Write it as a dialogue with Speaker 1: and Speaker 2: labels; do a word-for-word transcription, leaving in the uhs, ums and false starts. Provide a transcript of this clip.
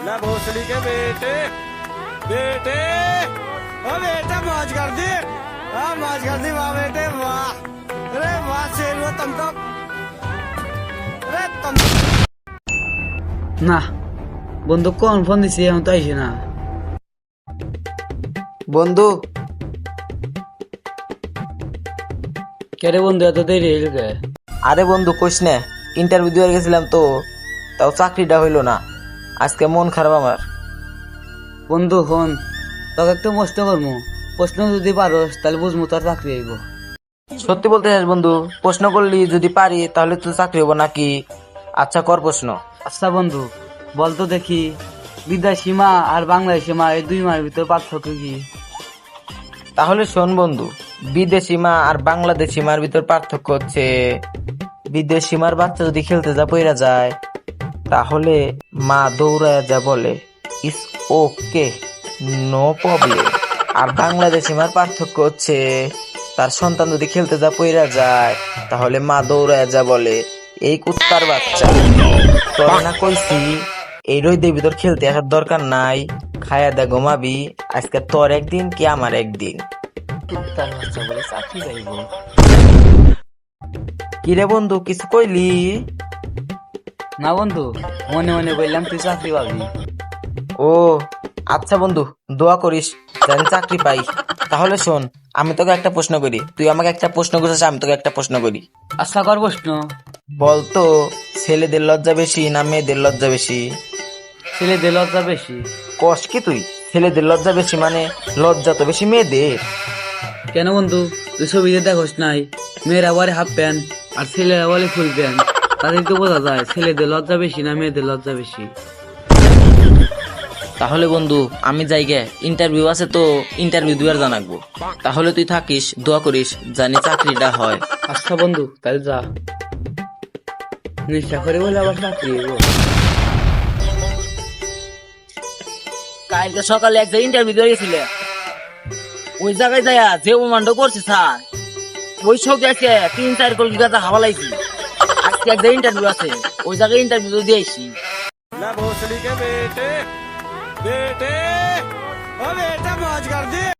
Speaker 1: ना भोसड़ी के बेटे बेटे ओ बेटा मौज कर दी। हाँ मौज कर दी वाह बेटे वाह। अरे वाह शेर वो तुम तो अरे तुम
Speaker 2: না বন্ধু কোন ফোন দিছি এখন তো আইসে না।
Speaker 3: বন্ধু
Speaker 2: কেরে বন্ধু এত দেরি হইল কে?
Speaker 3: আরে বন্ধু কইস না, ইন্টারভিউ দিয়ে গেছিলাম তো, তাও চাকরিটা হইলো না। আজকে মন খারাপ আমার।
Speaker 2: বন্ধু ফোন তোকে একটু প্রশ্ন করবো, প্রশ্ন যদি পারোস তাহলে বুঝবো তোর চাকরি আইব।
Speaker 3: সত্যি বলতে চাস বন্ধু? প্রশ্ন করলি যদি পারি তাহলে তো চাকরি হবো নাকি? আচ্ছা কর প্রশ্ন।
Speaker 2: আচ্ছা বন্ধু বলতো দেখি, বিদেশি মা আর বাংলাদেশি মা এই দুই মার ভিতর পার্থক্য কি?
Speaker 3: তাহলে শোন বন্ধু, বিদেশি মা আর বাংলাদেশি মার ভিতর পার্থক্য হচ্ছে, বিদেশি মার বাচ্চা যদি খেলতে যা পইরা যায় তাহলে মা দৌড়ায় যা বলে ইস ওকে নো প্রবলেম। আর বাংলাদেশি মার পার্থক্য হচ্ছে, তার সন্তান যদি খেলতে যা পইরা যায় তাহলে মা দৌড়ায় যা বলে এই কুত্তার বাচ্চা। তোর না কইছি এই রোদের ভিতর খেলতে আসার দরকার নাই, খায়া দে ঘুমাবি। আজকে তোর একদিন কি আমার একদিন। কুত্তার বাচ্চা বলে চাকরি যাইব। কিরে বন্ধু কিছু কইলি?
Speaker 2: না বন্ধু মনে মনে বললাম তুই চাকরি পাবি।
Speaker 3: ও আচ্ছা বন্ধু, দোয়া করিস যেন চাকরি পাই। তাহলে শোন, আমি তোকে একটা প্রশ্ন করি, তুই আমাকে একটা প্রশ্ন করিস, আমি তোকে একটা প্রশ্ন করি।
Speaker 2: আচ্ছা কর প্রশ্ন।
Speaker 3: বলতো ছেলেদের লজ্জা বেশি না মেয়েদের লজ্জা বেশি?
Speaker 2: ছেলেদের লজ্জা বেশি।
Speaker 3: কস কি তুই? ছেলেদের লজ্জা বেশি মানে লজ্জা তো বেশি মেয়েদের।
Speaker 2: কেন বন্ধু তুই ছবিতে দেখোস নাই, মেয়েরা বলে হাফ প্যান্ট আর ছেলেরা বলে ফুল প্যান্ট, তাদের তো বোঝা যায় ছেলেদের লজ্জা বেশি না মেয়েদের লজ্জা বেশি।
Speaker 3: তাহলে বন্ধু আমি যাই গে, ইন্টারভিউ আছে তো, ইন্টারভিউ দুয়ার জানাকবো। তাহলে তুই থাকিস, দোয়া করিস জানি চাকরিটা হয়।
Speaker 2: আচ্ছা বন্ধু তাহলে যা, নেশা করে বলে আবার চাকরি হইব।
Speaker 4: কালকে সকালে একটা ইন্টারভিউ দিয়ে গেছিলে, ওই জায়গায় যাইয়া যে উমান্ড করছে স্যার, ওই সব দেখে তিন চার কোটি টাকা হাওয়া লাগছে। আজকে একটা ইন্টারভিউ আছে, ওই জায়গায় ইন্টারভিউ দিয়েছি।
Speaker 1: ना भोसड़ी के बेटे बेटे ओ बेटा मौज कर दी।